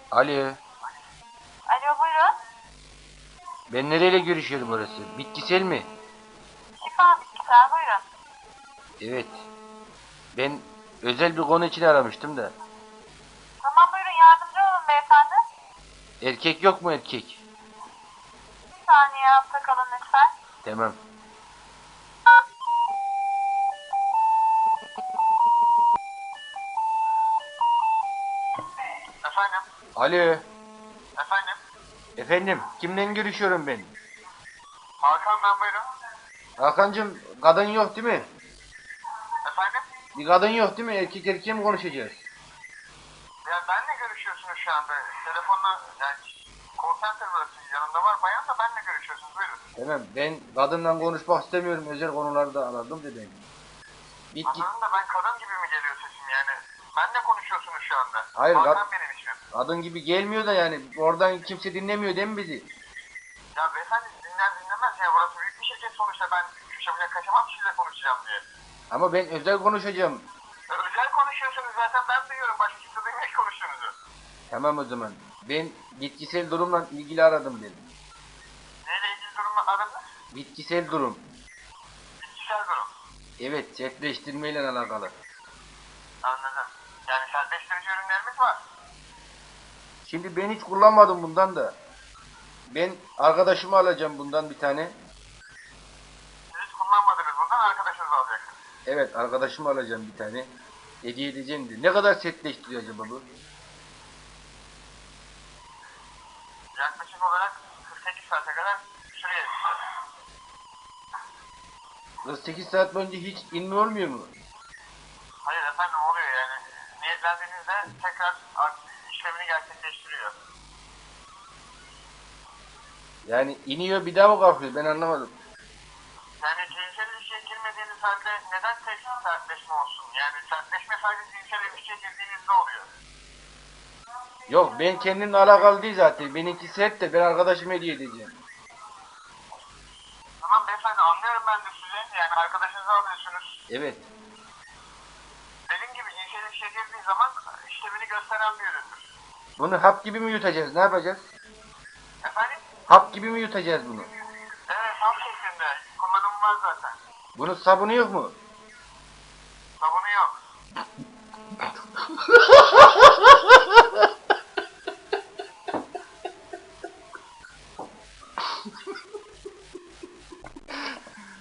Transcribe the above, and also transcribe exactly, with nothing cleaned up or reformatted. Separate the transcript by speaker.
Speaker 1: Alo.
Speaker 2: Alo buyurun.
Speaker 1: Ben nereyle görüşüyorum orası? Bitkisel mi?
Speaker 2: Şifa bitkisel buyurun.
Speaker 1: Evet. Ben özel bir konu için aramıştım da.
Speaker 2: Tamam buyurun yardımcı olun beyefendi.
Speaker 1: Erkek yok mu erkek?
Speaker 2: Bir saniye altta kalın lütfen.
Speaker 1: Tamam.
Speaker 3: Efendim?
Speaker 1: Alo.
Speaker 3: Efendim?
Speaker 1: Efendim, kimle görüşüyorum ben?
Speaker 3: Hakan ben buyurun.
Speaker 1: Hakan'cığım, kadın yok değil mi?
Speaker 3: Efendim?
Speaker 1: Bir kadın yok değil mi? Erkek erkeğe mi konuşacağız?
Speaker 3: Ya benle görüşüyorsunuz şu anda. Telefonla yani call center burası yanında var. Bayan da benle görüşüyorsunuz buyurun.
Speaker 1: Tamam, ben kadınla konuşmak istemiyorum. Özel konularda aradım dedim. Bitki...
Speaker 3: Anladın da ben kadın gibi mi geliyor sesim yani? Benle konuşuyorsunuz şu anda.
Speaker 1: Hayır,
Speaker 3: Hakan
Speaker 1: kad-
Speaker 3: benim ismim.
Speaker 1: kadın gibi gelmiyor da yani. Oradan kimse dinlemiyor değil mi bizi?
Speaker 3: Ya beyefendi dinler dinlemez ya. Burası büyük bir şirket sonuçta. Ben köşemine kaçamam sizinle konuşacağım diye.
Speaker 1: Ama ben özel konuşacağım.
Speaker 3: Ya özel konuşuyorsunuz zaten ben duyuyorum. Başka kimse duymuyor ki konuştuğunuzu.
Speaker 1: Tamam o zaman. Ben bitkisel durumla ilgili aradım dedim.
Speaker 3: Neyle ilgili durumla aranız?
Speaker 1: Bitkisel durum.
Speaker 3: Bitkisel durum.
Speaker 1: Evet, sertleştirmeyle alakalı.
Speaker 3: Anladım. Yani sertleştirici ürünlerimiz var.
Speaker 1: Şimdi ben hiç kullanmadım bundan da. Ben arkadaşımı alacağım bundan bir tane.
Speaker 3: Siz hiç kullanmadınız bundan arkadaşınız alacak.
Speaker 1: Evet, arkadaşımı alacağım bir tane. Hediye edeceğim diye. Ne kadar sertleştiriyor acaba bu?
Speaker 3: Yaklaşık olarak kırk sekiz saate kadar sürüyor.
Speaker 1: kırk sekiz saat boyunca hiç inme olmuyor mu?
Speaker 3: Hayır efendim oluyor yani. Niyetlendiğinizde tekrar işlemini gerçekleştiriyor.
Speaker 1: Yani iniyor bir daha mı kalkıyor? Ben anlamadım.
Speaker 3: Yani cinsel ilişkiye girmediğiniz halde neden tek sertleşme olsun? Yani sertleşme sadece cinsel ilişkiye girdiğinizde oluyor.
Speaker 1: Yok, ben kendimle alakalı değil zaten. Benimki sert de ben arkadaşıma hediye edeceğim.
Speaker 3: Tamam beyefendi anlıyorum ben de sizi. Yani arkadaşınızı alıyorsunuz.
Speaker 1: Evet.
Speaker 3: Dediğim gibi cinsel ilişkiye girdiği zaman işlemini gösteren bir üründür.
Speaker 1: Bunu hap gibi mi yutacağız? Ne yapacağız?
Speaker 3: Efendim?
Speaker 1: Hap gibi mi yutacağız bunu?
Speaker 3: Evet tam şeklinde. Kullanımı var zaten.
Speaker 1: Bunun sabunu yok mu?